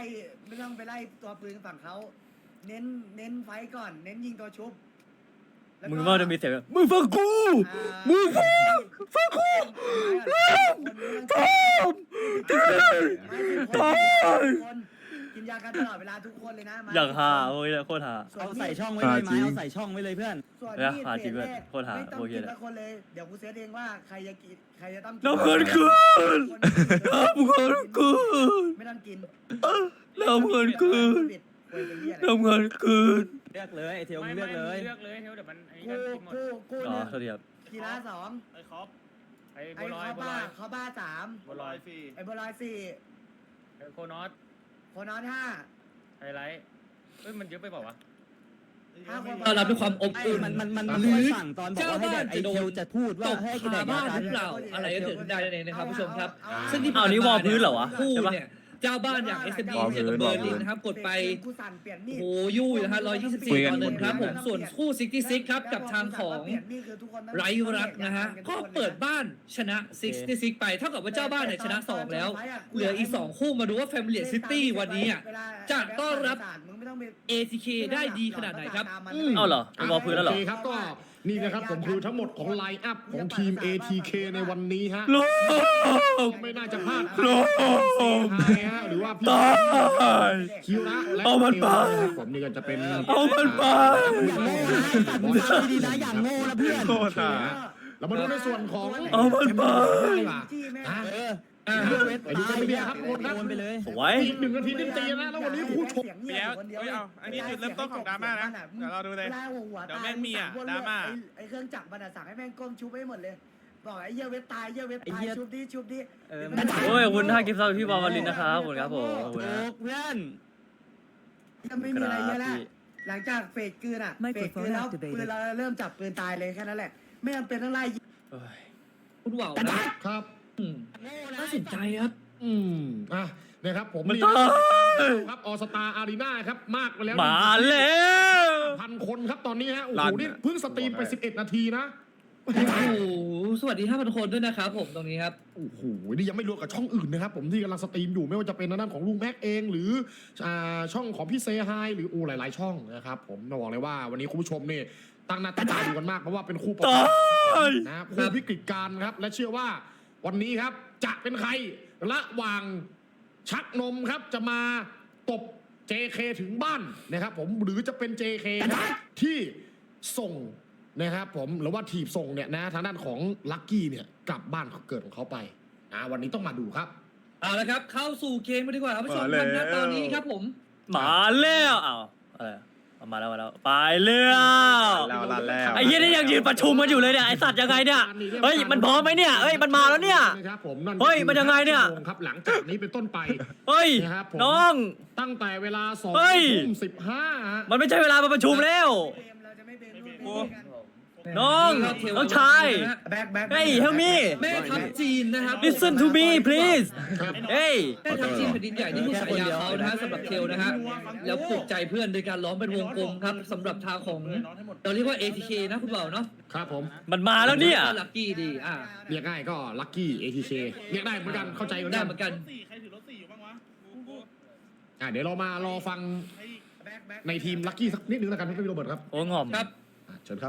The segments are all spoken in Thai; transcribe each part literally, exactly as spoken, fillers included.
ไม่ต้องไปไล่ตัวปืนฝั่งเขาเน้นเน้นไฟก่อนเน้นยิงตัวชุบมึงว่าจะมีเสียงมึงฟังกูมึงฟังฟังกูตามตายกินยากันตลอดเวลาทุกคนเลยนะอย่างฮาโอ้ยโคตรฮาเอาใส่ช่องไว้เลยไหมเอาใส่ช่องไว้เลยเพื่อนเนี่ยฮาจริงเลยโคตรฮาไม่ต้องโอเคกินเลยละคนเลยเดี๋ยวกูเซตเองว่าใครจะกินใครจะต้องน้ำเงินคืนน้ำเงินคืนไม่ต้องกินน้ำเงินคืนน้ำเงินคืนเลือกเลยไอเทลมึงเลือกเลยเลือกเลยเทลเดี๋ยวมันไอ้กูกันกินหมดกูกูอ๋อเนี่ยโทษทีครับกีฬาสองไอ้คอปไอ้ไอ้บัวลอยเขาบัวบ้าลอยเขาบ้าสามบัวลอยสี่ไอ้บัวลอยสี่ไอ้โคนอสโคนอนห้าไฮไลท์เฮ้ยมันเยอะไปเปล่าวะห้าคนต้อนรับด้วยความอบไอ้อุ่นมันมันมันมันหรือสั่งตอนบอกว่าให้แดกไอเทลจะพูดว่าตกให้คาแดกบ้านกัหรือเปล่าอะไรก็เกิดขึ้นได้นั่นเองนะครับผู้ชมครับเอาเอาซึ่งที่อ้าวนี่วอลพื้นเหรอวะคู่ใช่ปะเนี่ยเจ้าบ้านอย่าง เอส เอ็ม ดี เจอกับเบอร์ลินนะครับกดไปกูสั่นเปลี่ยนมีดโอ้โหยู่นะฮะหนึ่งร้อยยี่สิบสี่คุยกันต่อหนึ่งครับผมส่วนคู่ซิกตี้ซิกครับกับทางของเปลี่ยนมีดคือทุกคนต้องไรรักนะฮะก็เปิดบ้านชนะซิกตี้ซิกไปเท่ากับว่าเจ้าบ้านเนี่ยชนะสองแล้ว เหลืออีกสองคู่มาดูว่า Family City วันนี้อ่ะ จะต้อนรับ เอ ที เค ได้ดีขนาดไหนครับเอ้าเหรอวอลพื้นแล้วเหรอโอเคครับก็นี่นะครับผมคือทั้งหมดของไลน์อัพของทีม เอ ที เค ในวันนี้ฮะโลมไม่น่าจะพลาดโลมไฮฮะหรือว่าพี่ตายคิวระและเอามันไปนะครับผมนี่ก็จะเป็นเอามันไปอย่างโง่นะมึงฟังดีๆนะอย่างโง่นะเพื่อนโคตรอ่ะเรามาดูในส่วนของเอามันไปดีกว่าอ่ะเอออ่าไปดูกันไปเดียวครับทุกคนครับโอนไปเลยสวยอีกหนึ่งนาทีเต็มตีนะแล้ววันนี้คู่ชกเดี๋ยวเฮ้ยเอาอันนี้จุดเริ่มต้นของดราม่านะเดี๋ยวเราดูเลยเดี๋ยวแม่งมีอ่ะดราม่าไอ้เครื่องจักรมันสั่งให้แม่งก้มชุบให้หมดเลยบอกไอ้เหี้ยเว็บตายเหี้ยเว็บตายชุบดิชุบดิเออโอ้ยขอบคุณท่ากิฟต์ซับพี่วาวาลินนะครับขอบคุณครับผมขอบคุณโอ้นะเพื่อนยังไม่มีอะไรเยอะแล้วหลังจากเฟกคืนอ่ะเฟกคืนแล้วปืนเราเริ่มจับปืนตายเลยแค่นั้นแหละไม่จำเป็นต้องไล่เอ้ยคุณว่าวนะครับ อืมน่าสนใจครับอืมอ่ะนะครับผมมันนี่ตายครับออสตาอารีนาครับมากไปแล้วมาแล้วพันคนครับตอนนี้ฮะโอ้โหนี่เพิ่งสตรีมไปสิบเอ็ดนาทีนะโอ้โหสวัสดีห้าพันคนด้วยนะครับผมตรงนี้ครับโอ้โหนี่ยังไม่รวมกับช่องอื่นนะครับผมที่กำลังสตรีมอยู่ไม่ว่าจะเป็นทางด้านของลุงแม็กเองหรืออ่าช่องของพี่เซฮายหรืออูหลาย ๆ ช่องนะครับผมต้องบอกเลยว่าวันนี้คุณผู้ชมนี่ตั้งหน้าตั้งตาดูกันมากเพราะว่าเป็นคู่ประตากบยนะครับคู่วิกฤตการณ์ครับและเชื่อว่าวันนี้ครับจะเป็นใครระหว่างชักนมครับจะมาตบ เจ เค ถึงบ้านนะครับผมหรือจะเป็น เจ เค ครับที่ส่งนะครับผมหรือว่าทีบส่งเนี่ยนะทางด้านของลัคกี้เนี่ยกลับบ้านเกิดของเขาไปนะวันนี้ต้องมาดูครับเอาละครับเข้าสู่เกมกันดีกว่าครับผู้ชมมาแล้วครับณตอนนี้ครับผมมาแล้วอ้าวอะไรเอามาแล้วมาแล้วไปเรื่อแล้วลั่นแล้วไอ้เหี้ยนี่ยังยืนประชุมกันอยู่เลยเนี่ยไอ้สัตว์ยังไงเนี่ยเฮ้ยมันพร้อมไหมเนี่ยเฮ้ยมันมาแล้วเนี่ยนะครับผมนั่นเฮ้ยมันยังไงเนี่ยชั่วโมงครับหลังจากนี้เป็นต้นไปเฮ้ยนะครับผมน้องตั้งแต่เวลาสองเฮ้ยทุ่มสิบห้ามันไม่ใช่เวลามาประชุมแล้ว น้องน้องชายแบ็คแบ็คเฮ้ย help me แม่ทัพจีนนะครับ listen to me please เฮ้ยแม่ทัพจีนแผ่นดินใหญ่นี่คือฉายาเขานะฮะสำหรับเทลนะฮะแล้วปลุกใจเพื่อนโดยการล้อมเป็นวงกลมครับสำหรับทางของเราเรียกว่า เอ ที เค นะคุณเบาเนาะครับผมมันมาแล้วเนี่ยก็ลัคกี้ดีอ่าเรียกง่ายก็ลัคกี้ เอ ที เค เรียกได้เหมือนกันเข้าใจเหมือนได้กันเหมือนกันใครถือรถสี่อยู่บ้างวะกูกูอ่ะเดี๋ยวเรามารอฟังในทีมลัคกี้สักนิดนึงแล้วกันพี่โรเบิร์ตครับโอ้งอมครับอ่ะเชิญครับ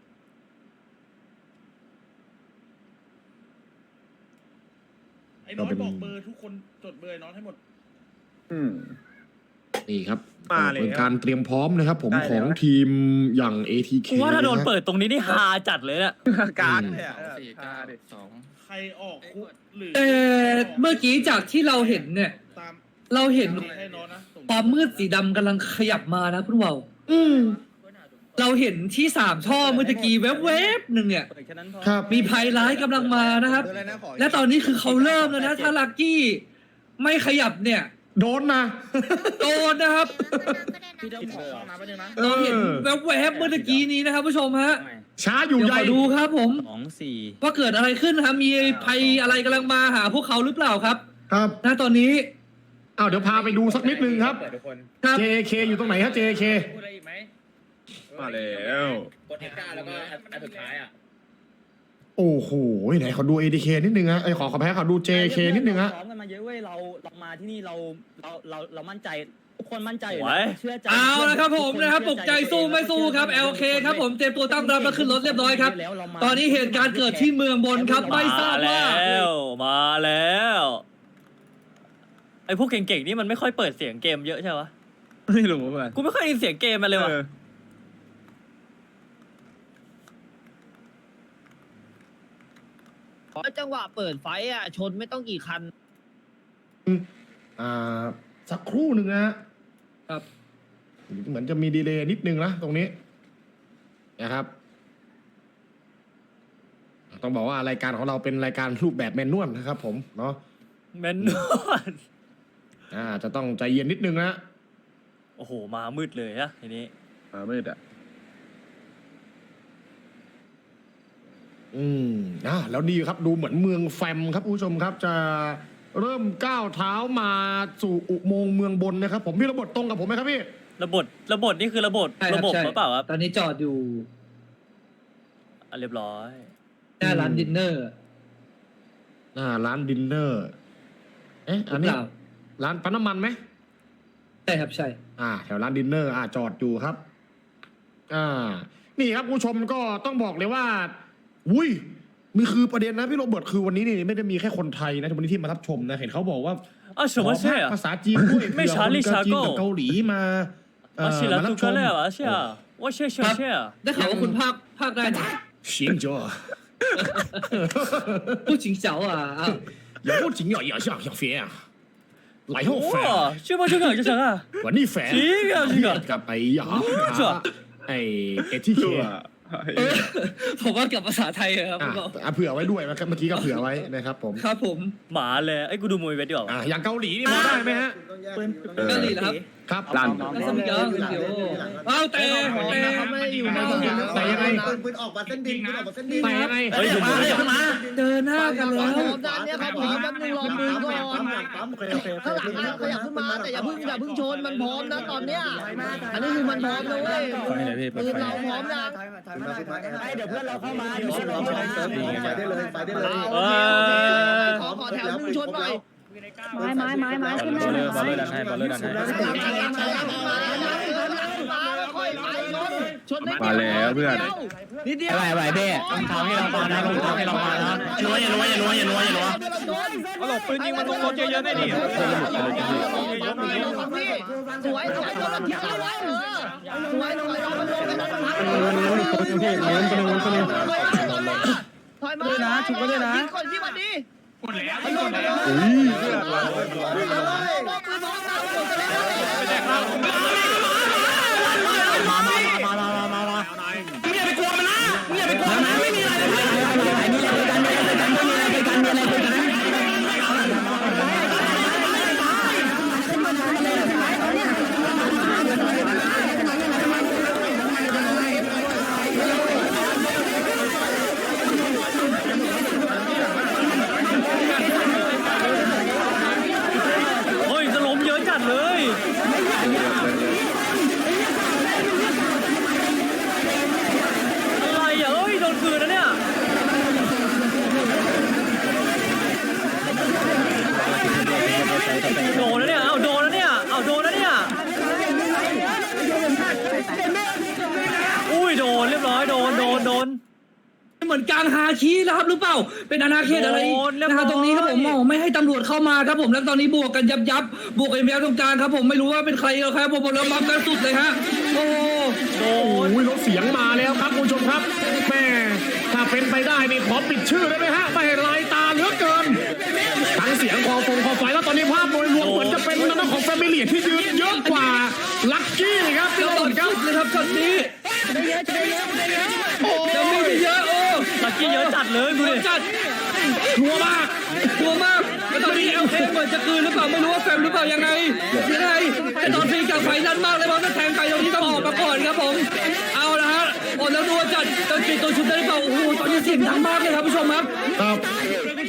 ไอ้น้อยบอกเบอร์ทุกคนจดเบอร์ไอ้น้อยให้หมดอืมนี่ครับมาแล้วเป็นการเตรียมพร้อมนะครับผมได้ของแล้วทีมอย่าง เอ ที เคกูว่าถ้าโดนเปิดตรงนี้นี่ฮาจัดเลยเนี่ยการเลยอ่ะสี่เก้าเด็กสองใครออกคุกหรือเออเมื่อกี้จากที่เราเห็นเนี่ยตามเราเห็นให้น้อยนะส่งความมืดสีดำกำลังขยับมานะคุณเบาอืมเราเห็นที่สามช่อเมื่อตะกี้แวบๆหนึ่งเนี่ยครับมีภัยร้ายกำลังมานะครับ และตอนนี้คือเขาเริ่มแล้วนะถ้าลักกี้ไม่ขยับเนี่ยโดนนะโดนนะครับพี่ต้องขอเข้าน้ำไปบนึงนะเราเห็นแวบๆเมื่อตะกี้นี้นะครับผู้ชมฮะช้าอยู่เดี๋ยวใหขญ่อดูครับผมสองสี่ว่าเกิดอะไรขึ้นนะครับมีภัยอะไรกำลังมาหาพวกเขาหรือเปล่าครับครับณตอนนี้อ้าวเดี๋ยวพาไปดูสักนิดนึงครับครับเจ เค อยู่ตรงไหนฮะ เจ เคพูดอะไรอีกไหมมาแล้วกดเอ็กซ์ก้าแล้วก็อันสุดท้ายอ่ะโอ้โหไหนขอดู เอ ดี เค นิดนึงฮะไอขอขอแพ้ขอดู เจ เค นิดนึงฮะซ้อมกันมาเยอะเว้ยเราเรามาที่นี่เราเราเราเรามั่นใจทุกคนมั่นใจอยู่ไหวเชื่อใจเอาละครับผมนะครับปลุกใจสู้ไม่สู้ครับ แอล เค ครับผมเตรียมตัวตั้งรับแล้วขึ้นรถเรียบร้อยครับ ตอนนี้เหตุการณ์เกิดที่เมืองบนครับไม่ทราบว่ามาแล้วมาแล้วไอพวกเก่งๆนี่มันไม่ค่อยเปิดเสียงเกมเยอะใช่ปะไม่รู้เหมือนกันกูไม่ค่อยได้ยินเสียงเกมมันเลยว่ะเออเพราะจังหวะเปิดไฟอ่ะ ชนไม่ต้องกี่คันอ่าสักครู่หนึ่งนะฮะครับเหมือนจะมีดีเลย์นิดนึงนะตรงนี้นะครับ ต้องบอกว่ารายการของเราเป็นรายการรูปแบบแมนนวลนะครับ ผมเนาะแมนนวลอ่าจะต้องใจเย็นนิดนึงนะโอ้โหมามืดเลยอะทีนี้มามืดอ่ะอืมอ่าแล้วนี่ครับดูเหมือนเมืองแฟมครับคุณผู้ชมครับ จะเริ่มก้าวเท้ามาสู่อุโมงค์เมืองบนนะครับ ผมพี่ระบบตรงกับผมไหมครับพี่ระบบระบบนี่คือระบบใช่คระรับบบใช่หรือเปล่าครับตอนนี้จอดอยู่อ่ะเรียบร้อยหน้าร้านดินเนอร์อ่าร้านดินเนอร์ เอ๊ะอันนี้เปล่าร้านปั๊มน้ำมันไหมใช่ครับใช่อ่าแถวร้านดินเนอร์อ่าจอดอยู่ครับ อ่า นี่ครับผู้ชมก็ต้องบอกเลยว่า อุ้ยมีคือประเด็นนะพี่โรเบิร์ตคือวันนี้นี่ไม่ได้มีแค่คนไทยนะวันนี้ที่มารับชมนะเห็นเขาบอกว่าอ่ะ什么事ขอ啊ภาษาจีนด้วยไม่เผื่อชาลีคนชาโก้จีนกับเกาหลีมาเอ่啊， อ是了， มารั杜บช哥ม了啊，是啊，我是是是啊， ได้ข่าวว่าคุณภาคภาคได้นะ行者ผู้จิงเจ๋าอ่ะอ้าว有不仅要要像像飞啊嚟好飛啊哇，这么这个就成啊， วันนี้แฟนจริงอ่ะจริงอ่ะกับไอ้หยาจ้ะไอ้เอทีเคตัวเออผมว่ากับภาษาไทยอะครับอ่ะพวกเราอ่ะเผื่อไว้ด้วยนะครับเมื่อกี้ก็เผื่อไว้นะครับผมครับผมหมาเลยไอ้กูดูมวยเวทดีกว่าอ่ะอย่างเกาหลีนี่พอได้ไหมฮะปืนเกาหลีเหรอครับครับลั่นแล้วสมิงเกอร์เดี๋ยวเอาแต่แต่เขาไม่ได้อยู่ในแต่ยังไงปืนออกมาเส้นดินปืนออกมาเส้นดินแต่ยังไงเฮ้ยอยู่มามือเลยมาเจอหน้ากันแล้วพร้อมด้านเนี้ยครับพร้อมแป๊บนึงรอมือก่อนปั๊มโอเคโอเคข้างหลังนะขยับขึ้นมาแต่อย่าเพิ่งอย่าเพิ่งชนมันพร้อมนะตอนเนี้ย อันนี้คือมันพร้อมนะเว้ยปืนเราพร้อมนะถอยมาถอยมาถอยมาเดี๋ยวเพื่อนเราเข้ามาเดี๋ยวเพื่อนเราเข้ามาไปได้เลยไปได้เลยโอเคขอขอแถวหนึ่งชนหน่อยไม้ไม้ไม้ไม้ขึ้นมาหน่อยบอลเลอร์ดันให้บอลเลอร์ดันให้ชนได้มาแล้วเพื่อนนิดเดียวไหวไหวเบ้ต้องทำให้เราปานะต้องทำให้เราปานะอย่ารัวอย่ารัวอย่ารัวอย่ารัวอย่ารัวเอาหลบปืนยิงมันลงรถเยอะๆได้ดิสวยสวยตัวมันทิ้งเอาไว้เออสวยสวยเอามันลงไปแล้วมันพักถอยมาด้วยนะชุบด้วยนะคนที่วันนี้หมดแล้วหมดแล้วอุ้ยเลือดเรามามามามามามามามึงอย่าไปกลัวมันนะมึงอย่าไปกลัวมันไม่มีอะไรมีอะไรมีอะไรกันมีอะไรกันมีอะไรกันมีอะไรกันเฮ้ยจะล้มเยอะจัดเลยอะไรอ่ะเอ้ยโดนคืนนะเนี่ยโดนแล้วเนี่ยเอาโดนแล้วเนี่ยเอาโดนแล้วเนี่ยอุ้ยโดนเรียบร้อยโดนโดนโดนเหมือนกลางฮาคีนะครับหรือเปล่าเป็นอาณาเขตอะไรโดนเรียบร้อยนะครับตรงนี้ครับผมมองไม่ให้ตำรวจเข้ามาครับผมแล้วตอนนี้บวกกันยับยับบวกกันยับตรงกลางครับผมไม่รู้ว่าเป็นใครครับผมบอกแล้วบัฟกันสุดเลยฮะโอ้โดโอ้นยรถเสียงมาแล้วครับคุณผู้ชมครับแม่ถ้าเป็นไปได้นี่ขอปิดชื่อได้ไหมฮะไม่ให้ลายตาเหลือเกินทั้งเสียงคอฟงคอไฟแล้วตอนนี้ภาพโดยรวมเหมือนจะเป็นทางด้านของแฟมิลี่ที่ยืนเยอะกว่าลัคกี้ครับพี่เจ้าโรต่อเบิร์ตครับสุดเลยครับช็อตนี้ได้เยอะจะได้เยอะได้เยอะจะมีไปเยอะโอ้ลักกี้เยอะจัดเลยดูดิจัดทัวมากทัวมากแล้วตอนนี้เอลเคเหมือนจะคืนหรือเปล่าไม่รู้ว่าแฟมหรือเปล่ายังไงยังไงแต่ตอนฟรีจากไฟนั้นมากเลยเพราะถ้าแทงไปตรงนี้ต้องออกมาก่อนครับผมเอาละฮะโอ้แล้วดูว่าจัดจะปิดตัวชุดได้หรือเปล่าโอ้โหตอนนี้เสียงดังมากเลยครับผู้ชมครับครับ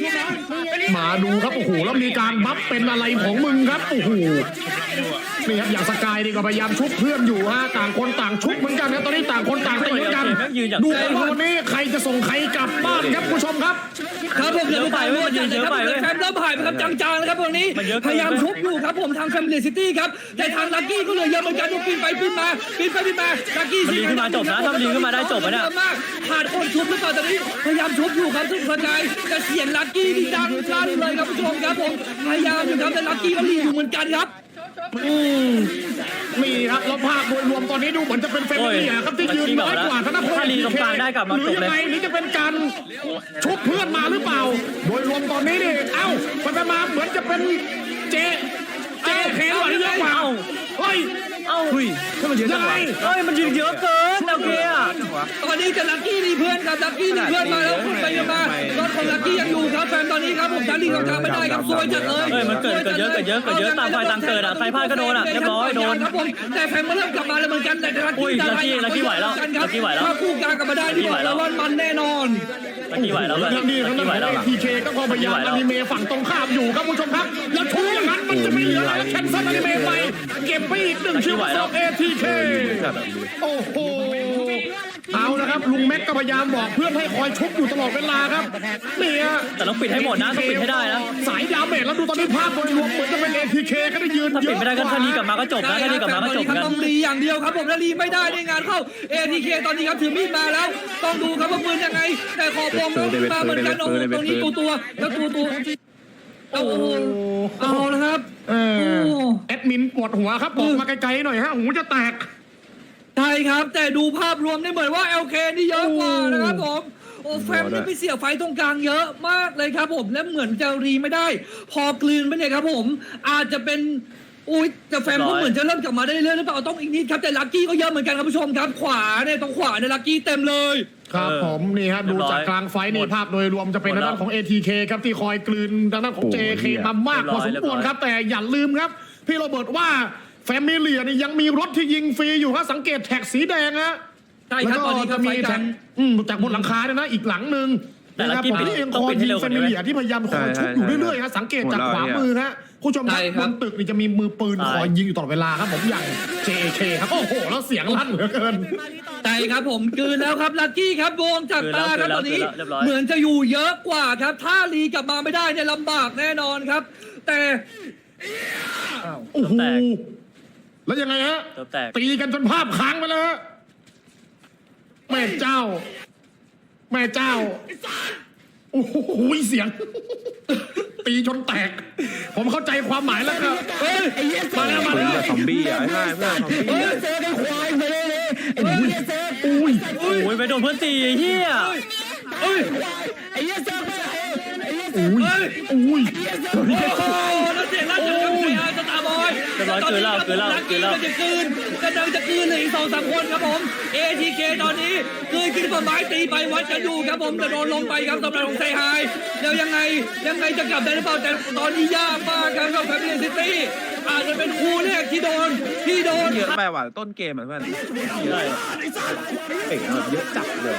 มาดูครับโอ้โหแล้วมีการบัฟเป็นอะไรของมึงครับโอ้โหนี่ครับอย่างสกายนี่ก็พยายามชุบเพื่อนอยู่ฮะต่างคนต่างชุบเหมือนกันนะตอนนี้ต่างคนต่างตีเหมือนกันดูกันว่าวันนี้ใครจะส่งใครกลับบ้านครับผู้ชมครับครับผมเหลือไปมันยืนเยอะไปเลยแฟมเริ่มหายไปครับจางๆนะครับตรงนี้พยายามชุบอยู่ครับผมทางแฟมิลี่ซิตี้ครับแต่ทางลักกี้ก็เหลือเยอะเหมือนกันดูปีนไปปีนมาปีนไปปีนมาลักกี้สิขึ้นมาจบนะถ้าลีขึ้นมาได้จบนะขาดคนชุบหรือเปล่าตอนนี้พยายามชุบอยู่ครับทุกคนใจแต่เสียงลักกี้นี่ดังลั่นเลยครับผู้ชมครับผมพยายามอยู่ครับแต่ลักกี้ก็ลีอยู่เหมือนกันครับอืมมีครับแล้วภาพโดยรวมตอนนี้ดูเหมือนจะเป็นแฟมิลี่ครับที่ยืนน้อยกว่าธนพลหรือยังไงหรือจะเป็นการชุบเพื่อนมาหรือเปล่าโดยรวมตอนนี้นี่เอ้าไปมาเหมือนจะเป็นเจเจเคหรือเยอะกว่าเฮ้ยเอ้าเฮ้ยมันเยอะจังวะเฮ้ยมันยืนเยอะเกินโอเคอ่ะตอนนี้จะลักกี้มีเพื่อนกับลักกี้มีเพื่อนมาแล้วคุณไปกันมารถของลักกี้ยังอยู่ครับแฟนตอนนี้ครับผมการลีกทางไม่ได้ครับซวยจัดเลยเฮ้ยมันเกิดเกิดเยอะเกิดเยอะเกิดเยอะตามไฟตามเกิดอ่ะใครพลาดก็โดนอ่ะเรียบร้อยโดนครับผมแต่แฟนมาเริ่มกลับมาแล้วเหมือนกันแต่ลักกี้ลักกี้ลักกี้ไหวแล้วลักกี้ไหวแล้วถ้าคู่กลางกลับมาได้ที่บอกแล้วว่ามันแน่นอนลักกี้ไหวแล้วลักกี้ไหวแล้วทีเคก็พอพยายามอนิเมะฝั่งตรงข้ามอยู่ครับผู้ชมครับแล้วชูอย่างนั้นมันจะไม่เหลืออะไรแคนเซิลอนิเมะไปเก็บไปอีกหนึ่งชิ้นของเอทีเคโอ้โหเอาละครับลุงแม็กก็พยายามบอกเพื่อนให้คอยชุบอยู่ตลอดเวลาครับเนี่ยแต่ต้องปิดให้หมดนะต้องปิดให้ได้นะสายดาเมจแล้วดูตอนนี้ภาพโดยรวมเหมือนจะเป็น เอ ที เค ก็ได้ยืนเยอะถ้าปิดไม่ได้ก็ถ้าลีกลับมาก็จบนะถ้าลีกลับมาก็จบกันต้องลีอย่างเดียวครับผมถ้าลีไม่ได้ในงานเข้า เอ ที เค ตอนนี้ครับถือมีดมาแล้วต้องดูครับว่าปืนยังไงแต่ขอปองแล้วมาเหมือนกันตรงนี้ตัวตัวแล้วตัวตัวโอ้โหเอาละครับแอดมินปวดหัวครับบอกมาไกลๆหน่อยฮะหูจะแตกใช่ครับแต่ดูภาพรวมนี่เหมือนว่า แอล เค นี่เยอะกว่านะครับผมโอ้แฟมนี่ไปเสียไฟตรงกลางเยอะมากเลยครับผมและเหมือนจะรีไม่ได้พอกลืนไปเนี่ยครับผมอาจจะเป็นอุ้ยแต่แฟมก็เหมือนจะเริ่มกลับมาได้เรื่อยๆหรือเปล่าต้องอีกนิดครับแต่ลักกี้ก็เยอะเหมือนกันครับผู้ชมครับขวาเนี่ยตรงขวาเนี่ยลักกี้เต็มเลยครับผมนี่ฮะดูจากกลางไฟนี่ภาพโดยรวมจะเป็นทางด้านของ เอ ที เค ครับที่คอยกลืนทางด้านของ เจ เค มามากพอสมควรครับแต่อย่าลืมครับพี่โรเบิร์ตว่าแฟมิเลียนี่ยังมีรถที่ยิงฟรีอยู่ครับสังเกตแท็กสีแดงฮะแล้วก็จะมีแท็กจากบนหลังคาเนี่ยนะอีกหลังหนึ่งนะครับผมที่เองคอยยิงแฟมิเลียที่พยายามคอยชุบอยู่เรื่อยๆฮะสังเกตจากขวามือฮะผู้ชมครับบนตึกนี่จะมีมือปืนคอยยิงอยู่ตลอดเวลาครับผมอย่าง เจ เค ครับโอ้โหแล้วเสียงลั่นเหลือเกินใช่ครับผมคืนแล้วครับลักกี้ครับวงจากตาครับตอนนี้เหมือนจะอยู่เยอะกว่าครับถ้าลีกลับมาไม่ได้เนี่ยลำบากแน่นอนครับแต่โอ้โหแล้วยังไงฮะตีกันจนภาพค้างไปแล้วแม่เจ้าแม่เจ้าโอ้โหเสียงตีจนแตกผมเข้าใจความหมายแล้วครับมาแล้วมาแล้วซอมบี้อ่ะใช่เพื่อนซอมบี้เจอกันควายไปเลยไอ้เหี้ยเจออุ้ยอุ้ยไปโดนเพื่อนตีไอ้เหี้ยไอ้เหี้ยเจอไปไอ้เหี้ยเจออุ้ยอุ้ยโอ้โหแล้วเสียงลั่นจากใครอาจะตาบอยตอนนี้ครับลักกี้ก็จะคืนกำลังจะคืนเลยอีกสองสามคนครับผม เอ ที เค ตอนนี้คืนขึ้นมาไม้ตีไปวัดกันอยู่ครับผมจะโดนลงไปครับสำหรับของไซไฮแล้วยังไงยังไงจะกลับได้หรือเปล่าแต่ตอนนี้ยากมากครับกับแฟมิลี่ซิตี้อาจจะเป็นคู่แรกที่โดนที่โดนเยอะไปว่ะต้นเกมเหมือนกันใช่เอ๋แบบเยอะจัดเลย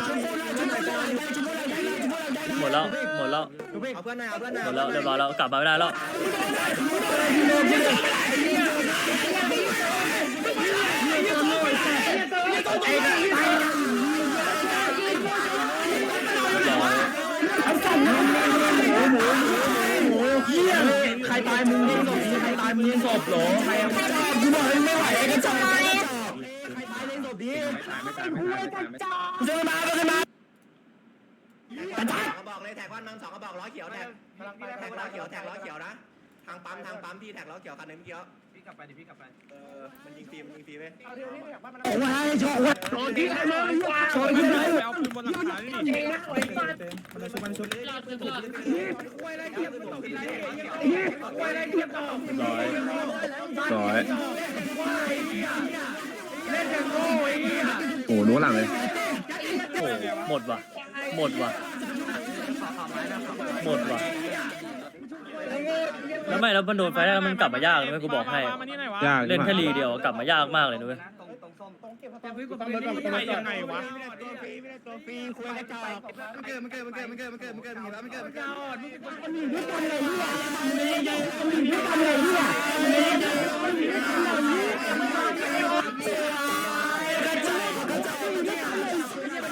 หมดแล้วหมดแล้วเอาเพื่อนหน่อยเอาเพื่อนหน่อยหมดแล้วเรียบร้อยแล้วกลับมาไม่ได้แล้วใครตายมึงเล่นศพใครตายมึงเล่นศพหรอใครกูบอกไม่ไหวกันจังใครตายเล่นศพดิเจอมาเจอมาเขาบอกเลยแท็กวันนังสองเขาบอกล้อเขียวแท็กแท็กล้อเขียวแท็กล้อเขียวนะทางปั๊มทางปั๊มพี่แท็กล้อเขียวคันนึงเมื่อกี้พี่กลับไปดิพี่กลับไปเออมันยิงฟรีมันยิงฟรีไหมโอ้ยโชว์โชว์ที่ไหนเลยโชว์ที่ไหนเอาปืนบนหลังคานี่มันชุบมันชุบร้อยโอ้โหรู้หลังเลยโอ้หมดว่ะหมดว่ะหมดว่ะแล้วไม่แล้วมันโดนไฟได้แล้วมันกลับมายากเลยกูบอกให้เล่นแค่รีเดียวกลับมายากมากเลยนุ้ยไปยังไงวะตัวฟรีไม่ได้ตัวฟรีคุยกระจอกมันเกิดมันเกิดมันเกิดมันเกิดมันเกิดมันเกิดมันเกิดมันเกิดมันเกิดมันอยู่ด้วยกันเลยเนี่ยมันอยู่ด้วยกันเลยเนี่ยมันอยู่ด้วยกันเลยกระจอกกระจอกอยู่ด้วยกันเลย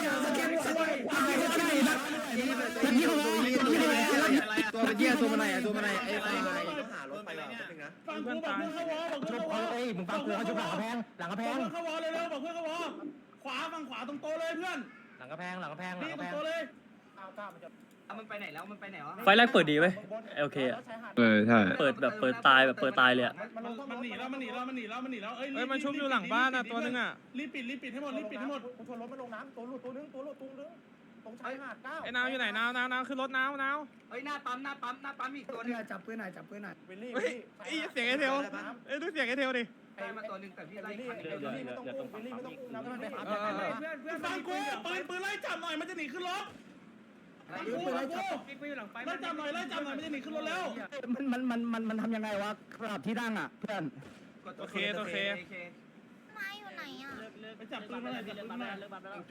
ตัวเป็นเยี่ยตัวมันไหนอะตัวมันไหนไอ้ไอ้หารถไปก่อนแป๊บนึงนะฟังกูบอกเพื่อนเข้าวอบอกเพื่อนเข้าวอเอ้ยมึงฟังกูเขาชุบหลังกระแพงหลังกระแพงบอกเพื่อนเข้าวอเร็วๆบอกเพื่อนเข้าวอขวาฝั่งขวาตรงโต๊ะเลยเพื่อนหลังกระแพงหลังกระแพงหลังนี่กระตรแพงงโต๊ะเลยมันไปไหนแล้วมันไปไหนวะไฟแรกเปิดดีเว้ยโอเคอะเออใช่เปิดแบบเปิดตายแบบเปิดตายเลยอะมันมันหนีแล้วมันหนีแล้วมันหนีแล้วมันหนีแล้วเอ้ยเฮ้ยมันชุบอยู่หลังบ้านอ่ะตัวนึงอ่ะรีบปิดรีบปิดให้หมดรีบปิดให้หมดชนรถมาลงน้ำตัวหลุดตัวนึงตัวหลุดตัวนึงตรงชายหาดเก้าไอ้นาวอยู่ไหนนาว นาว นาวขึ้นรถนาว นาวเฮ้ยหน้าปั๊มหน้าปั๊มหน้าปั๊มอีกตัวนึงจับปืนหน่อยจับปืนหน่อยวิลลี่เฮ้ยไอ้เสียงไอ้เทลเอ้ยดูเสียงไอ้เทลดิใครมาตัวนึงแต่พี่ไล่วิลลี่วิลลี่ไม่ต้องอุ้มวิลลี่ไม่ต้องอุ้มนะมันไปหาเออเออเพื่อนเพื่อนฟังกูปืนปืนไล่จับหน่อยมันจะหนีขึ้นรถฟังกูฟังกูไล่จับหน่อยไล่จับหน่อยมันจะหนีขึ้นรถแล้วมันมันมันมันมันทำยังไงวะกราบที่นั่งอ่ะเพื่อนโอเคโอเคไม้อยู่ไหนอ่ะไปจับปืนมาหน่อยจับปืนมาหน่อย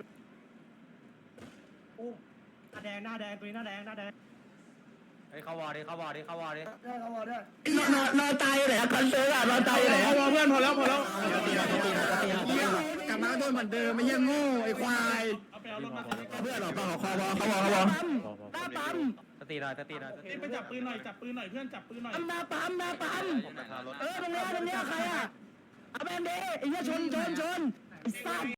หน้าแดงหน้าแดงตัวนี้หน้าแดงหน้าแดงเฮ้ยเข้าวอดิเข้าวอดิเข้าวอดิได้เขาบอกด้วยนอนนอนตายไหนคอนเสิร์ตอ่ะนอนตายไหนพอเพื่อนพอแล้วพอแล้วกลับมาโดนเหมือนเดิมไม่ยังโง่ไอ้ควายเอาไปเอารถมาเพื่อนหรอเปล่าคอวอเขาวอเขาวอหน้าปั๊มสตีหน่อยสตีหน่อยไปจับปืนหน่อยจับปืนหน่อยเพื่อนจับปืนหน่อยหน้าปั๊มหน้าปั๊มเออตรงนี้ตรงนี้ใครอ่ะเอาแบนเดไอ้เหี้ยชนชนชนไอ้สัตว์